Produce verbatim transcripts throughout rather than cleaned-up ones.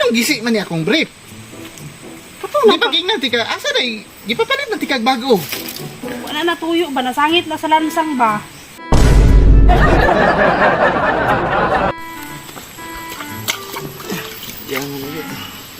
Anong gisi man ni akong brief? Kato Di pa nanti ka, asa na di pa palit nanti kag bago. Wala na tuyo ba? Nasangit na sa lansang ba? Yan mo ulit.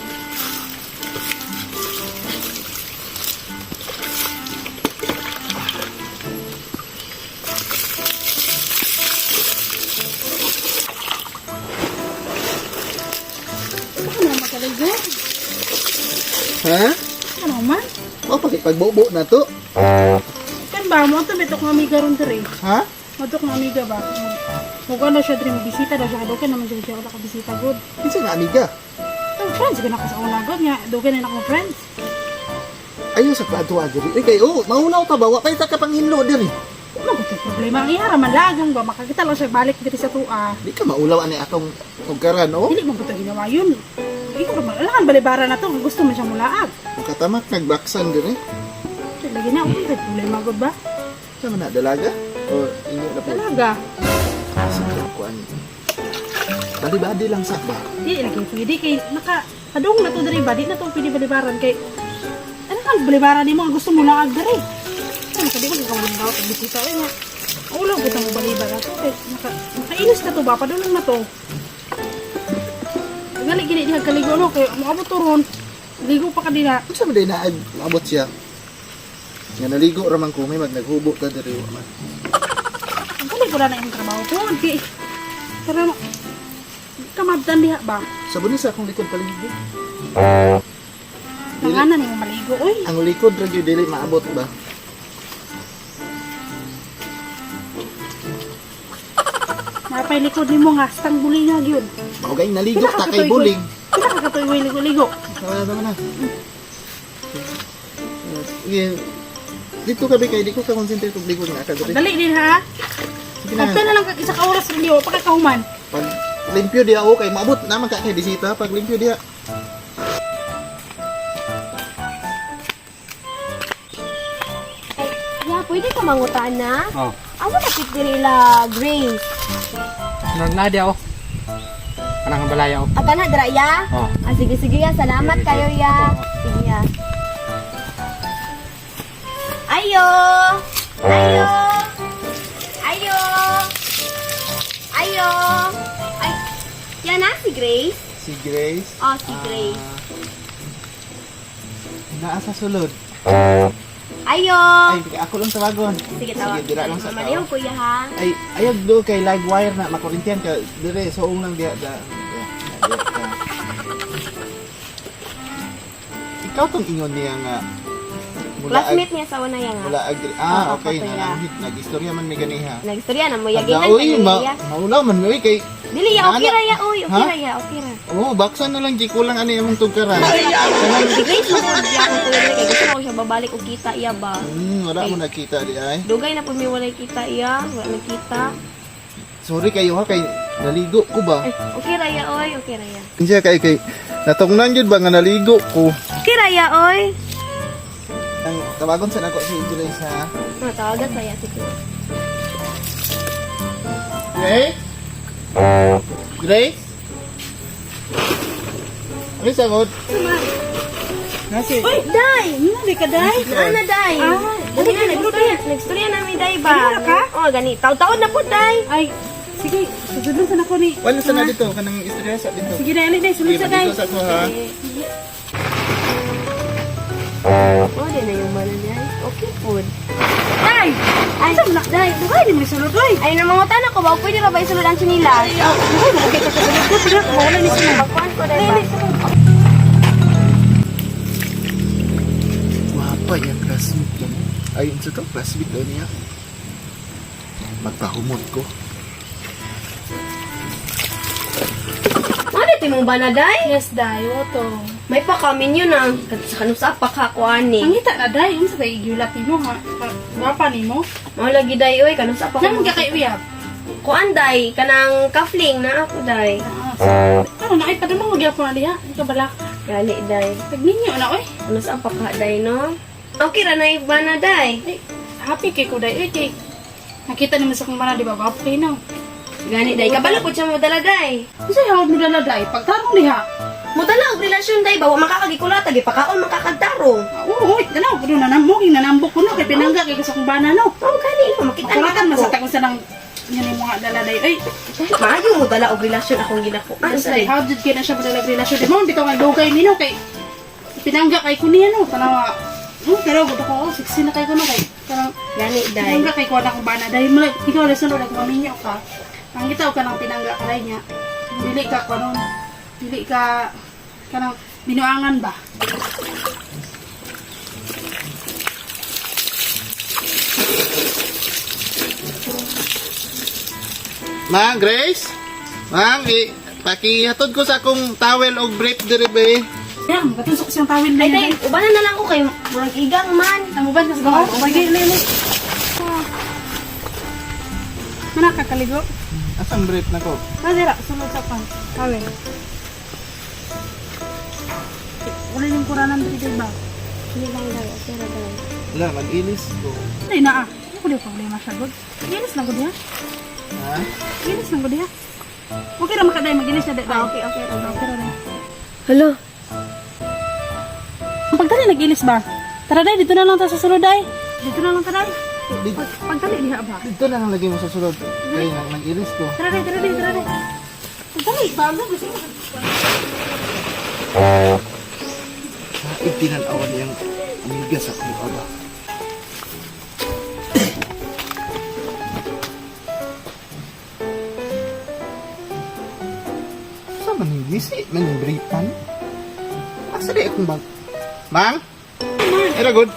Ano magaligo? Ha? Ano man? O, pati pagbobo na to. Kan ba mo ito betok ng amiga ron dire? Ha? Betok ng amiga ba? Muga na siya dire bisita daw siya doon naman siya siya nakabisita good. Kinsa nga amiga? Oh, friends ka na ka sa una good nga doon na akong friends. Ayaw sa kwadto agad. Eh kayo, maulaw ta ba? Wa pa ita ka panghinlo diri. Ano ko problema ang ihara man lagang ba makakita lang siya balik diri sa tua. Di ka maulaw ani atong tugkaran, oh. Dili mo buta ginawa yun. Ikaw naman, alangan balibara na to, gusto mo siya mulaag. Katamak nagbaksan diri. So, lagi na, okay, problema good ba? Sa man na dalaga? O inyo na po. Talaga. Sige, kuan. Bali-bali lang sa ba? Di lagi pwede kay naka kadung na to diri ba di na to pwede balibaran kay ano kan balibaran nimo ang gusto mo lang ag diri. Ano kadi ko ikaw lang daw bisita ay nga. Ulo ko mo balibaran to kay naka nakainis na to ba padulong na to. Ngali gini diha kaligo no kay moabot to ron. Ligo pa kadina. Unsa man day na maabot siya? Nga naligo ra man ko may magnaghubo ta diri wa man. Ang kali ko na na yung trabaho ko kay pero kamabdan diha ba? Sa bunis akong likod paligid. Nanganan yung maligo oy. Ang likod ra gyud dili maabot ba? Napay likod nimo nga stang buling nga gyud. Mao gay naligo ta kay buling. Pila ka katuig ligo-ligo. Wala naman na. Sige. Dito ka ba kay di ko ka concentrate og ligo nga ka diri. Dali din ha. Sige na. Kapta na lang kag isa ka oras rin diyo pagkakahuman. Pag limpyo diha ako kay maabot naman ka kay bisita pag limpyo diha. Ya, pwede ka mangutaan na? Oh, Asa kapit diri la Grace? sunod na di ako. Anang balaya ako. Ata na dira ya? Oh. Ah, sige sige ya, salamat Sige, kayo sige. ya. Oo. Sige ya. Ayo! Ayo! Ayo! Ayo! Ay, yan na si Grace. Si Grace. Oh, si Grace. Naa sa sulod. Ayo! Ay, ako lang tawagon. Sige, tawag. Sige, dira lang sa Mamaliw, tao. kuya ha. Ay, ayog do kay live wire na makurintiyan ka dire so lang diha da. diha, diha ka. Ikaw tong ingon niya nga mula Classmate niya sa una yan Mula ha. agri. Ah, Oo, okay kapila. na nang nag-istorya man may ganiha. Nagstorya na mo, Aga, yaginan uy, kayo ma ya. maulaw man uy kay Dili ya, okay Nana- ra ya, uy. Okay Ha? ra ya, okay ra. oh, baksan na lang di kulang ani among tugkaran. Si Grace mo po diya akong tuloy kay gusto ko siya babalik og kita iya ba. Hmm, wala mo nakita di ay. Dugay na po may walay kita iya, wala nakita. Sorry kayo ha kay naligo ko ba? Ay, okay ra ya oy, okay ra ya. Kinsa kay kay natungnan jud ba nga naligo ko. Okay ra ya oy. Ang tawagon sa nako si Grace ha. No, tawagan saya si Grace. Grace? Grace? Ano sagot? Nasi. Uy, Day! Hindi ka, Day? Naana day. Ah, Dali na dali, nagstorya, nagstorya na mi day ba. Ganun ka? Oh, gani. Taw-taon na po day. Ay, sige, susunod sa nako ni. Wala sa na dito kanang istorya sa dito. Sige, Day, Day, sunod Sige, sa Day. dito sa ko ha. Oh, di na yung mana day. Okay food. Day! Ay, saan na? Day, dugay, di mo sunod, Day. Ay, namangutan ako ba? Pwede ra ba isulod ang sinilas? Dugay, dugay ka sa sunod ko. Pila, mawala ni sunod. Pagkuhan ko day ba? Guwapa yung classmate ko. Ayun sa to, classmate daw niya. Magpahumot ko. Ano timong ba na day? Yes, Day, oto. May pakamin yun ah. Sa kanusap pakakuan Ang ni. hita na, Day, yung sa kay igulapi mo, ha? Wapa ni mo? Mao lagi day oy kanusap ako. Nang ka kay uyab. Kuan day kanang kafling na ako day. Ah, ano na, ay, padamang magyapon na diha. Hindi ka balak. Gali day. Tagninyo na, oy. Kanusap pa ka day no. Okay ra na iba na day. Ay, happy kay ko, Day. Uy, kay. Nakita naman sa kong mana, di ba? Wapo kayo na. Gani day kabalo po siya mo dala day. Kasi hawag mo dala, Day. Pagtarong diha. Mudala og relasyon day ba wa makakagikulata gipakaon makakagtarong. Ah, Oo, oy, ganaw ko na namog, nanambok ko no kay pinangga kay gusto kong bana no. Oh, kani no makita Kulatan na masata ko sa nang yan yung mga dala day. Ay, Maayo mo dala og relasyon akong ginako. ano sa how did kaya na siya madalag relasyon? Di mo, bitaw nga dugay nino kay pinangga kay kuniya no. Tanawa, hmm, pero gusto ko, oh, sexy na kay ko no kay. Karang, Gani day. pinangga kay ko na kong bana. Dahil mo, ikaw na sunod, nagmaminyo ka. Ang itaw ka ng pinangga ka rin niya. Dili ka ko nun. Dili ka, kanang binuangan ba? Mang, Grace? Mang, i pakihatod ko sa akong towel o brief diri ba eh. Yan, katusok siyang tawin na Ay day, yun. ubanan na lang ko kay murag igang man. Ang uban ka sa gawa. Sige, lili. Mana kakaligo? Asang brief na ko? Madira, sunod sa pan. Kawin. Wala yung kuranan dito ba? Hindi lang day, pero day. Wala, mag-ilis ko. Ay na ah. Ako di problema siya, God. Ginis lang ko diya. Ha? Ginis lang ko diya. Okay na makaday, maginis na day. Ah, okay, okay. Okay, pero day. Hello. Ang pagdali nag-inis ba? Tara day, dito na lang tayo sa sulod day. Dito na lang tayo day. Di- Pag- Pagdali diha ba? Dito na lang lagi mo sa sulod. Kaya nang nag-ilis ko. Tara day, tara day, tara day. Pagdali, bago gusto mo. Saig tinanawan niyang amiga sa akong aba. Sa maningisi, maningbritan. Asa di akong bag? Mang? Era good.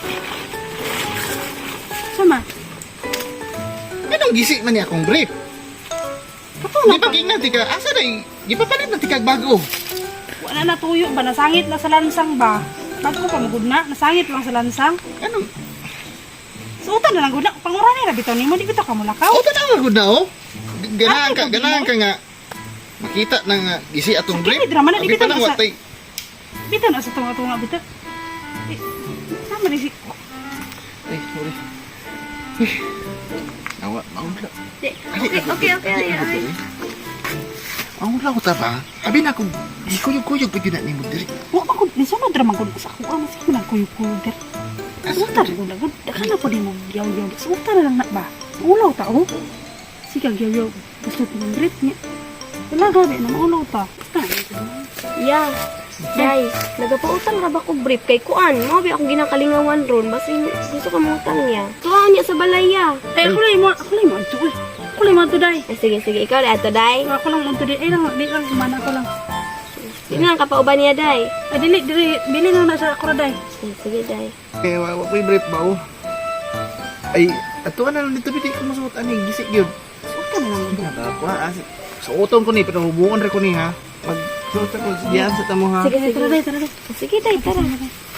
Sama. Anong gisi man niya akong brief? Ako Di na ba king tika? Asa na di pa palit na tikag bago? wala na tuyo ba? Nasangit lang sa lansang ba? Bago pa magud na, nasangit lang sa lansang. Anong? Suotan na lang gud na. Pangurani ra bitaw nimo, di bitaw ka mulakaw. Oh, tanawa good na oh. Ganahan ka, Ate, ganahan ka nga. Makita na nga gisi atong brief. Sakit, drama na, di Abi bitaw pa nang sa- watay. Bitaw na sa tunga-tunga bitaw. Eh, sama ni si... Ay, sorry. Ay, nawa, maunla. Okay, okay, okay. Ay, ay. Maunla ko ta ba? Abi na akong gikuyog-kuyog pa yun na ni mo diri. Wa pa gud, ni sunod ra man gud sa ako. Ano sige man kuyog-kuyog dir. Suotan ra gud na gud. Daka na po di mo yaw-yaw. Suotan na lang na ba? Ulaw ta oh. Sige yaw-yaw. Gusto ko ng drip niya. Wala gabi na maulaw ta. Yeah. Day, nagapautang ra ba ko brief kay kuan? Mo bi ako ginakalingawan ron basin gusto ka mo utang niya. Tuwa niya sa balaya. Eh, ako lang mo, ako lang mo ito eh. Ako lang mo ito day. Eh, sige, sige, ikaw na ito, Day. Ako lang mo ito day. Eh, lang, di lang, kumana ko lang. Sino ang kapauban niya, Day? Ay, dili, dili, dili na na sa ako day. Eh, sige, Day. Kaya wa wa ko'y brief ba oh. Ay, ato na lang dito bitin ko masuot ani gisik gyud. Suotan na lang gud. Nada ko ha. Sa utong ko ni pero hubungan ra ko ni ha. Pag suot ko diyan sa tamo ha. Sige, sige. Tara day, tara day. Sige, Day, tara.